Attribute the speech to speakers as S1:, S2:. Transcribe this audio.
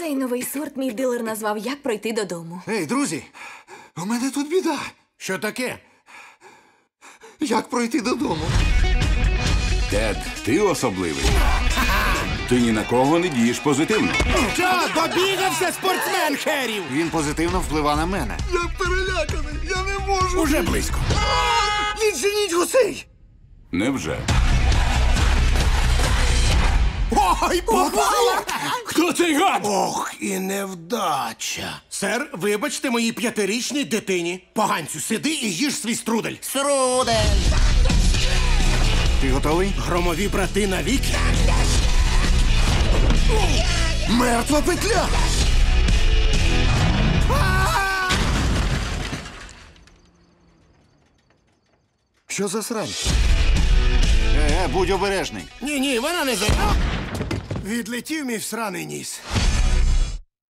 S1: Цей новий сорт мій дилер назвав «Як пройти додому».
S2: Ей, друзі, у мене тут біда.
S3: Що таке?
S2: Як пройти додому?
S4: Тед, ти особливий. Ти ні на кого не дієш позитивно.
S3: Що, добігався спортсмен херів?
S2: Він позитивно впливає на мене. Я переляканий, я не можу.
S3: Уже близько.
S2: Відженіть гусей!
S4: Невже?
S3: Ой, попала!
S4: Хто цей гад?
S3: Ох, і невдача. Сер, вибачте моїй 5-річній дитині. Поганцю, сиди і їж свій струдель.
S2: Ти готовий?
S3: Громові брати навіки.
S2: Мертва петля! Що за срань? Будь обережний.
S3: Ні, вона не за... Відлетів мій всраний ніс.